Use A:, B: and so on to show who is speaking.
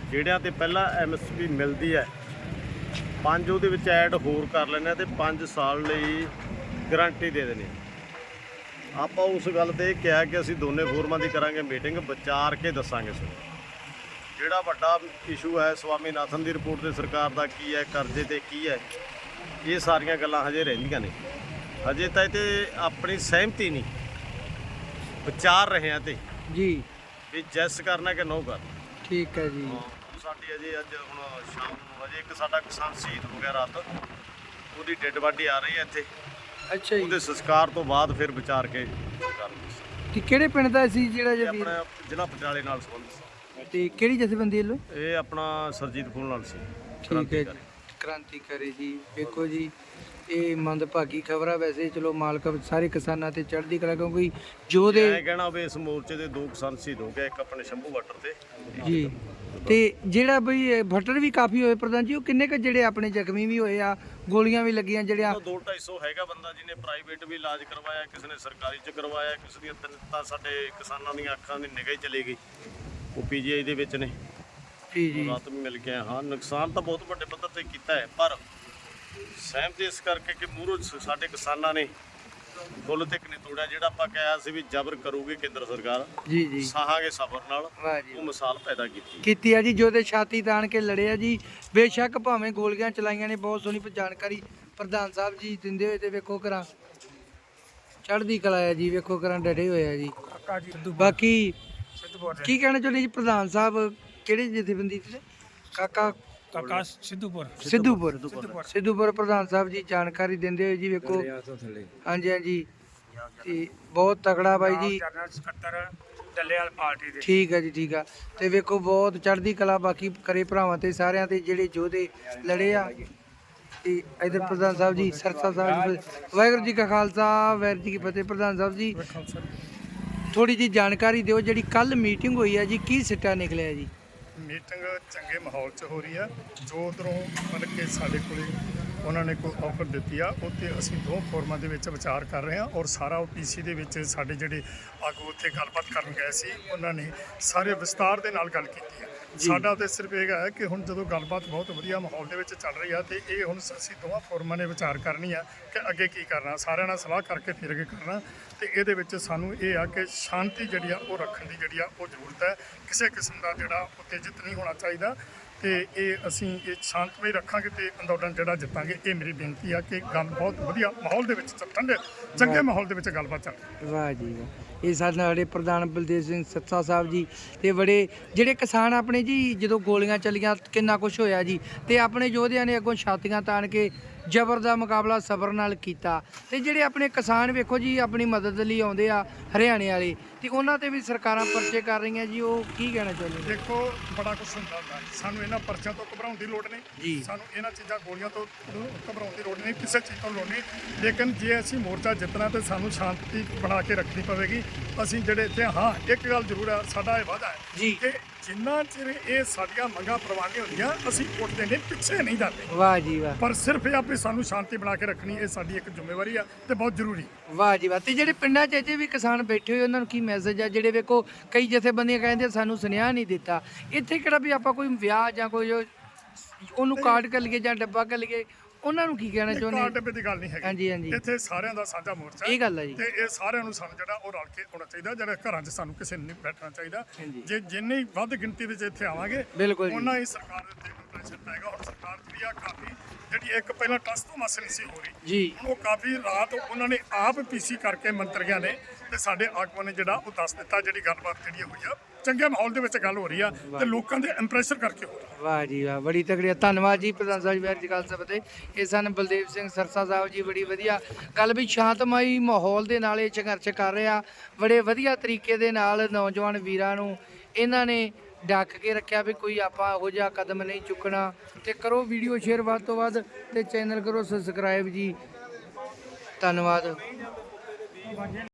A: ਜਿਹੜਿਆਂ ਤੇ ਪਹਿਲਾਂ MSP ਮਿਲਦੀ ਹੈ 5 ਉਹਦੇ ਵਿੱਚ ਐਡ ਹੋਰ ਕਰ ਲੈਣੇ ਤੇ 5 ਸਾਲ ਲਈ ਗਰੰਟੀ ਦੇ ਦੇਣੀ। ਆਪਾਂ ਉਸ ਗੱਲ ਤੇ ਕਿਹਾ ਕਿ ਅਸੀਂ ਦੋਨੇ ਫੋਰਮਾਂ ਦੀ ਕਰਾਂਗੇ ਮੀਟਿੰਗ, ਵਿਚਾਰ ਕੇ ਦੱਸਾਂਗੇ ਸਰ। ਜਿਹੜਾ ਵੱਡਾ ਇਸ਼ੂ ਹੈ ਸਵਾਮੀਨਾਥਨ ਦੀ ਰਿਪੋਰਟ ਤੇ ਸਰਕਾਰ ਦਾ ਕੀ ਹੈ, ਕਰਜ਼ੇ ਤੇ ਕੀ ਹੈ, ਇਹ ਸਾਰੀਆਂ ਗੱਲਾਂ ਹਜੇ ਰਹਿੰਦੀਆਂ ਨੇ। ਹਜੇ ਤਾਂ ਇਹ ਤੇ ਆਪਣੀ ਸਹਿਮਤੀ ਨਹੀਂ, ਵਿਚਾਰ ਰਹੇ ਆ ਤੇ
B: ਜੀ
A: ਵੀ ਜੈਸ ਕਰਨਾ ਕਿ ਨੋ ਕਰਨਾ।
B: ਠੀਕ ਹੈ ਜੀ।
A: ਸਾਡੀ ਅਜੇ ਅੱਜ ਹੁਣ ਸ਼ਾਮ ਨੂੰ ਅਜੇ ਇੱਕ ਸਾਡਾ ਕਿਸਾਨ ਸ਼ਹੀਦ ਹੋ ਗਿਆ ਰਾਤ, ਉਹਦੀ ਡੈੱਡ ਬਾਡੀ ਆ ਰਹੀ ਹੈ ਇੱਥੇ।
B: ਅੱਛਾ ਜੀ।
A: ਉਹਦੇ ਸੰਸਕਾਰ ਤੋਂ ਬਾਅਦ ਫਿਰ ਵਿਚਾਰ ਕੇ ਕਰਾਂਗੇ।
B: ਤੇ ਕਿਹੜੇ ਪਿੰਡ ਦਾ ਸੀ ਜਿਹੜਾ
A: ਇਹ
B: ਜੀ?
A: ਆਪਣਾ ਜ਼ਿਲ੍ਹਾ ਪਟਿਆਲੇ ਨਾਲ ਸੰਬੰਧਿਤ।
B: ਤੇ ਕਿਹੜੀ ਜਥੇਬੰਦੀ ਵੱਲੋਂ?
A: ਇਹ ਆਪਣਾ ਸਰਜੀਤ ਫੂਲ ਨਾਲ ਸੀ।
B: ਠੀਕ ਹੈ, ਕ੍ਰਾਂਤੀਕਾਰੀ ਜੀ। ਵੇਖੋ ਜੀ, ਇਹ ਮੰਦਭਾਗੀ ਖਬਰ ਆ। ਵੈਸੇ ਚਲੋ ਮਾਲਕ ਸਾਰੇ ਕਿਸਾਨਾਂ ਤੇ ਚੜ੍ਹਦੀ ਕਲਾ, ਕਿਉਂਕਿ ਜੋ ਦੇ
A: ਮੈਂ ਕਹਿਣਾ ਵੀ ਇਸ ਮੋਰਚੇ ਦੇ 2 ਕਿਸਾਨ ਸ਼ਹੀਦ ਹੋ ਗਏ, ਇੱਕ ਆਪਣੇ ਸ਼ੰਭੂ ਬਾਰਡਰ ਤੇ
B: ਜੀ। ਤੇ ਜਿਹੜਾ ਬਈ ਭੱਟਰ ਵੀ ਕਾਫੀ ਹੋਏ ਪ੍ਰਧਾਨ ਜੀ, ਉਹ ਕਿੰਨੇ ਕੁ ਜਿਹੜੇ ਆਪਣੇ ਜ਼ਖਮੀ ਵੀ ਹੋਏ ਆ, ਗੋਲੀਆਂ ਵੀ ਲੱਗੀਆਂ ਜਿਹੜੀਆਂ?
A: 200-250 ਹੈਗਾ ਬੰਦਾ ਜਿਹਨੇ ਪ੍ਰਾਈਵੇਟ ਵੀ ਇਲਾਜ ਕਰਵਾਇਆ, ਕਿਸੇ ਨੇ ਸਰਕਾਰੀ ਚ ਕਰਵਾਇਆ, ਕਿਸੇ ਦੀਆਂ ਤਾਂ ਸਾਡੇ ਕਿਸਾਨਾਂ ਦੀਆਂ ਅੱਖਾਂ ਦੀ ਨਿਗਾਹ ਹੀ ਚਲੀ ਗਈ, ਉਹ PGI ਦੇ ਵਿੱਚ ਨੇ।
B: ਜੀ
A: ਰਾਤ ਵੀ ਮਿਲ ਕੇ ਹਾਂ, ਨੁਕਸਾਨ ਤਾਂ ਬਹੁਤ ਵੱਡੇ ਪੱਧਰ ਤੇ ਕੀਤਾ ਹੈ, ਪਰ ਸਹਿਮਤੀ ਇਸ ਕਰਕੇ ਕਿ ਮੂਹਰੋਂ ਸਾਡੇ ਕਿਸਾਨਾਂ ਨੇ ਬੁੱਲ ਤੱਕ ਨਹੀਂ ਤੋੜਿਆ। ਜਿਹੜਾ ਆਪਾਂ ਕਿਹਾ ਸੀ ਵੀ ਜ਼ਬਰ ਕਰੂਗੀ ਕੇਂਦਰ ਸਰਕਾਰ,
B: ਜੀ
A: ਸਹਾਂਗੇ ਸਬਰ ਨਾਲ,
B: ਵਾਹ ਜੀ
A: ਉਹ ਮਿਸਾਲ ਪੈਦਾ
B: ਕੀਤੀ ਆ ਜੀ। ਜੋ ਤੇ ਛਾਤੀ ਤਾਣ ਕੇ ਲੜਿਆ ਜੀ, ਬੇਸ਼ੱਕ ਭਾਵੇਂ ਗੋਲੀਆਂ ਚਲਾਈਆਂ ਨੇ। ਬਹੁਤ ਸੋਹਣੀ ਜਾਣਕਾਰੀ ਪ੍ਰਧਾਨ ਸਾਹਿਬ ਜੀ ਦਿੰਦੇ ਹੋਏ। ਤੇ ਵੇਖੋ ਕਰਾਂ ਚੜ੍ਹਦੀ ਕਲਾ ਹੈ ਜੀ, ਵੇਖੋ ਕਰਾਂ ਡਟੇ ਹੋਏ ਆ ਜੀ। ਬਾਕੀ ਕੀ ਕਹਿਣਾ ਚਾਹੁੰਦੇ ਜੀ ਪ੍ਰਧਾਨ ਸਾਹਿਬ? ਕਿਹੜੇ ਜਥੇਬੰਦੀ ਤੇ? ਕਾਕਾ ਸਿੱਧੂਪੁਰ ਪ੍ਰਧਾਨ ਸਾਹਿਬ ਜੀ ਜਾਣਕਾਰੀ ਦਿੰਦੇ ਹੋਏ ਜੀ। ਵੇਖੋ ਹਾਂਜੀ ਤੇ ਬਹੁਤ ਤਕੜਾ ਬਾਈ ਜੀ। ਠੀਕ ਹੈ ਜੀ, ਠੀਕ ਆ। ਤੇ ਵੇਖੋ ਬਹੁਤ ਚੜ੍ਹਦੀ ਕਲਾ ਬਾਕੀ ਕਰੇ ਭਰਾਵਾਂ ਤੇ ਸਾਰਿਆਂ ਤੇ ਜਿਹੜੇ ਯੋਧੇ ਲੜੇ ਆ। ਤੇ ਇਧਰ ਪ੍ਰਧਾਨ ਸਾਹਿਬ ਜੀ, ਸਰਸਾ ਸਾਹਿਬ ਜੀ, ਵਾਹਿਗੁਰੂ ਜੀ ਕਾ ਖਾਲਸਾ ਵਾਹਿਗੁਰੂ ਜੀ ਕੀ ਫਤਿਹ। ਪ੍ਰਧਾਨ ਸਾਹਿਬ ਜੀ ਥੋੜੀ ਜੀ ਜਾਣਕਾਰੀ ਦਿਓ, ਜਿਹੜੀ ਕੱਲ ਮੀਟਿੰਗ ਹੋਈ ਹੈ ਜੀ, ਕੀ ਸਿੱਟਾ ਨਿਕਲਿਆ ਜੀ?
C: ਮੀਟਿੰਗ ਚੰਗੇ ਮਾਹੌਲ 'ਚ ਹੋ ਰਹੀ ਆ। ਜੋ ਉੱਧਰੋਂ ਮਤਲਬ ਕਿ ਸਾਡੇ ਕੋਲੇ ਉਹਨਾਂ ਨੇ ਕੋਈ ਆਫਰ ਦਿੱਤੀ ਆ, ਉੱਤੇ ਅਸੀਂ 2 ਫੋਰਮਾਂ ਦੇ ਵਿੱਚ ਵਿਚਾਰ ਕਰ ਰਹੇ ਹਾਂ। ਔਰ ਸਾਰਾ ਉਹ PC ਦੇ ਵਿੱਚ ਸਾਡੇ ਜਿਹੜੇ ਆਗੂ ਉੱਥੇ ਗੱਲਬਾਤ ਕਰਨ ਗਏ ਸੀ, ਉਹਨਾਂ ਨੇ ਸਾਰੇ ਵਿਸਤਾਰ ਦੇ ਨਾਲ ਗੱਲ ਕੀਤੀ ਹੈ। ਸਾਡਾ ਤਾਂ ਸਿਰਫ ਇਹ ਹੈ ਕਿ ਹੁਣ ਜਦੋਂ ਗੱਲਬਾਤ ਬਹੁਤ ਵਧੀਆ ਮਾਹੌਲ ਦੇ ਵਿੱਚ ਚੱਲ ਰਹੀ ਆ, ਤੇ ਇਹ ਹੁਣ ਅਸੀਂ 2 ਫੋਰਮਾਂ ਨੇ ਵਿਚਾਰ ਕਰਨੀ ਆ ਕਿ ਅੱਗੇ ਕੀ ਕਰਨਾ, ਸਾਰਿਆਂ ਨਾਲ ਸਲਾਹ ਕਰਕੇ ਫਿਰ ਅੱਗੇ ਕਰਨਾ। ਤੇ ਇਹਦੇ ਵਿੱਚ ਸਾਨੂੰ ਇਹ ਆ ਕਿ ਸ਼ਾਂਤੀ ਜਿਹੜੀ ਆ ਉਹ ਰੱਖਣ ਦੀ ਜਿਹੜੀ ਆ ਉਹ ਜ਼ਰੂਰਤ ਹੈ। ਕਿਸੇ ਕਿਸਮ ਦਾ ਜਿਹੜਾ ਉਤੇਜਿਤ ਨਹੀਂ ਹੋਣਾ ਚਾਹੀਦਾ, ਤੇ ਇਹ ਅਸੀਂ ਇਹ ਸ਼ਾਂਤਮਈ ਰੱਖਾਂਗੇ ਤੇ ਅੰਦੋਲਨ ਜਿਹੜਾ ਜਿੱਤਾਂਗੇ। ਇਹ ਮੇਰੀ ਬੇਨਤੀ ਆ ਕਿ ਗੱਲ ਬਹੁਤ ਵਧੀਆ ਮਾਹੌਲ ਦੇ ਵਿੱਚ ਠੰਡੇ ਚੰਗੇ ਮਾਹੌਲ ਦੇ ਵਿੱਚ ਗੱਲਬਾਤ ਚੱਲ।
B: ਵਾਹ ਜੀ ਵਾਹ। ਇਹ ਸਾਡੇ ਸਾਡੇ ਪ੍ਰਧਾਨ ਬਲਦੇਵ ਸਿੰਘ ਸੱਤਾ ਸਾਹਿਬ ਜੀ, ਤੇ ਬੜੇ ਜਿਹੜੇ ਕਿਸਾਨ ਆਪਣੇ ਜੀ, ਜਦੋਂ ਗੋਲੀਆਂ ਚੱਲੀਆਂ ਕਿੰਨਾ ਕੁਝ ਹੋਇਆ ਜੀ, ਤੇ ਆਪਣੇ ਯੋਧਿਆਂ ਨੇ ਅੱਗੋਂ ਛਾਤੀਆਂ ਤਾਣ ਕੇ ਜ਼ਬਰ ਦਾ ਮੁਕਾਬਲਾ ਸਬਰ ਨਾਲ ਕੀਤਾ। ਤੇ ਜਿਹੜੇ ਆਪਣੇ ਕਿਸਾਨ ਵੇਖੋ ਜੀ ਆਪਣੀ ਮਦਦ ਲਈ ਆਉਂਦੇ ਆ ਹਰਿਆਣੇ ਵਾਲੇ, ਤੇ ਉਹਨਾਂ ਤੇ ਵੀ ਸਰਕਾਰਾਂ ਪਰਚੇ ਕਰ ਰਹੀਆਂ ਜੀ। ਉਹ ਕੀ ਕਹਿਣਾ ਚਾਹੁੰਦੇ?
C: ਦੇਖੋ ਬੜਾ ਕੁਝ ਹੁੰਦਾ, ਸਾਨੂੰ ਇਹਨਾਂ ਪਰਚਿਆਂ ਤੋਂ ਘਬਰਾਉਣ ਦੀ ਲੋੜ ਨਹੀਂ
B: ਜੀ।
C: ਸਾਨੂੰ ਇਹਨਾਂ ਚੀਜ਼ਾਂ ਗੋਲੀਆਂ ਤੋਂ ਘਬਰਾਉਣ ਦੀ ਲੋੜ ਨਹੀਂ, ਕਿਸੇ ਚੀਜ਼ ਤੋਂ ਲੋੜ ਨਹੀਂ। ਲੇਕਿਨ ਜੇ ਅਸੀਂ ਮੋਰਚਾ ਜਿੱਤਣਾ ਤੇ ਸਾਨੂੰ ਸ਼ਾਂਤੀ ਬਣਾ ਕੇ ਰੱਖਣੀ ਪਵੇਗੀ। ਅਸੀਂ ਜਿਹੜੇ ਇੱਥੇ ਹਾਂ, ਇੱਕ ਗੱਲ ਜ਼ਰੂਰ ਆ, ਸਾਡਾ ਇਹ ਵਾਅਦਾ ਹੈ
B: ਜੀ
C: ਕਿ ਜਿੰਨਾ ਚਿਰ ਇਹ ਸਾਡੀਆਂ ਮੰਗਾਂ ਪ੍ਰਵਾਨ ਨਹੀਂ ਹੁੰਦੀਆਂ, ਅਸੀਂ ਉੱਠਦੇ ਨਹੀਂ, ਪਿੱਛੇ ਨਹੀਂ ਜਾਂਦੇ।
B: ਵਾਹ ਜੀ ਵਾਹ।
C: ਪਰ ਸਿਰਫ ਇਹ ਆਪੇ ਸਾਨੂੰ ਸ਼ਾਂਤੀ ਬਣਾ ਕੇ ਰੱਖਣੀ, ਇਹ ਸਾਡੀ ਇੱਕ ਜ਼ਿੰਮੇਵਾਰੀ ਆ ਤੇ ਬਹੁਤ ਜ਼ਰੂਰੀ।
B: ਵਾਹ ਜੀ ਵਾਹ। ਤੇ ਜਿਹੜੇ ਪਿੰਡਾਂ 'ਚ ਅਜੇ ਵੀ ਕਿਸਾਨ ਬੈਠੇ ਹੋਏ, ਉਹਨਾਂ ਨੂੰ ਕੀ ਮੈਸੇਜ ਆ? ਜਿਹੜੇ ਵੇਖੋ ਕਈ ਜਥੇਬੰਦੀਆਂ ਕਹਿੰਦੇ ਸਾਨੂੰ ਸੁਨੇਹਾ ਨਹੀਂ ਦਿੱਤਾ। ਇੱਥੇ ਕਿਹੜਾ ਵੀ ਆਪਾਂ ਕੋਈ ਵਿਆਹ ਜਾਂ ਕੋਈ ਉਹਨੂੰ ਕਾਰਡ ਕਰ ਲਈਏ ਜਾਂ ਡੱਬਾ ਕਰ ਲਈਏ, ਉਹਨਾਂ ਨੂੰ ਕੀ ਕਹਿਣਾ ਚਾਹੁੰਦੇ?
C: ਕਾਰਡ ਡੱਬੇ ਦੀ ਗੱਲ ਨਹੀਂ ਹੈਗੀ।
B: ਹਾਂਜੀ
C: ਇੱਥੇ ਸਾਰਿਆਂ ਦਾ ਸਾਂਝਾ ਮੋਰਚਾ
B: ਇਹ ਗੱਲ ਹੈ ਜੀ।
C: ਤੇ ਇਹ ਸਾਰਿਆਂ ਨੂੰ ਸਾਨੂੰ ਜਿਹੜਾ ਉਹ ਰਲ ਕੇ ਆਉਣਾ ਚਾਹੀਦਾ। ਜਿਹੜਾ ਘਰਾਂ 'ਚ ਸਾਨੂੰ ਕਿਸੇ ਨੂੰ ਨਹੀਂ ਬੈਠਣਾ ਚਾਹੀਦਾ। ਜੇ ਜਿੰਨੀ ਵੱਧ ਗਿਣਤੀ ਵਿੱਚ ਇੱਥੇ ਆਵਾਂਗੇ, ਉਹਨਾਂ ਹੀ ਸਰਕਾਰ ਦੇ ਉੱਤੇ ਪ੍ਰੈਸ਼ਰ ਪਏਗਾ। ਹੁਣ ਸਰਕਾਰ ਜਿਹੜੀ ਆ ਕਾਫੀ ਜਿਹੜੀ ਇੱਕ ਪਹਿਲਾਂ ਟਸ ਤੋਂ ਮਸ ਨਹੀਂ ਸੀ ਹੋ ਰਹੀ
B: ਜੀ,
C: ਉਹ ਕਾਫੀ ਰਾਤ ਉਹਨਾਂ ਨੇ ਆਪ PC ਕਰਕੇ ਮੰਤਰੀਆਂ ਨੇ ਤੇ ਸਾਡੇ ਆਗੂਆਂ ਨੇ ਜਿਹੜਾ ਉਹ ਦੱਸ ਦਿੱਤਾ। ਜਿਹੜੀ ਗੱਲਬਾਤ ਜਿਹੜੀ ਹੋਈ ਆ ਚੰਗੇ ਮਾਹੌਲ ਦੇ ਵਿੱਚ ਗੱਲ ਹੋ ਰਹੀ ਆ ਤੇ ਲੋਕਾਂ ਦੇ ਇੰਪਰੈਸ਼ਨ ਕਰਕੇ ਹੋ ਰਹੀ।
B: ਵਾਹ ਜੀ ਵਾਹ, ਬੜੀ ਤਕੜੀ। ਧੰਨਵਾਦ ਜੀ ਪ੍ਰਧਾਨ ਸਾਹਿਬ ਵਾਹਿਗੁਰੂ ਜੀ ਕਾ ਖਾਲਸਾ ਫਤਿਹ। ਇਹ ਸਨ ਬਲਦੇਵ ਸਿੰਘ ਸਰਸਾ ਸਾਹਿਬ ਜੀ। ਬੜੀ ਵਧੀਆ ਗੱਲ ਵੀ ਸ਼ਾਂਤਮਈ ਮਾਹੌਲ ਦੇ ਨਾਲ ਇਹ ਸੰਘਰਸ਼ ਕਰ ਰਿਹਾ। ਬੜੇ ਵਧੀਆ ਤਰੀਕੇ ਦੇ ਨਾਲ ਨੌਜਵਾਨ ਵੀਰਾਂ ਨੂੰ ਇਹਨਾਂ ਨੇ ਡੱਕ ਕੇ ਰੱਖਿਆ ਵੀ ਕੋਈ ਆਪਾਂ ਇਹੋ ਜਿਹਾ ਕਦਮ ਨਹੀਂ ਚੁੱਕਣਾ। ਤੇ ਕਰੋ ਵੀਡੀਓ ਸ਼ੇਅਰ ਵੱਧ ਤੋਂ ਵੱਧ, ਤੇ ਚੈਨਲ ਕਰੋ ਸਬਸਕ੍ਰਾਈਬ ਜੀ। ਧੰਨਵਾਦ।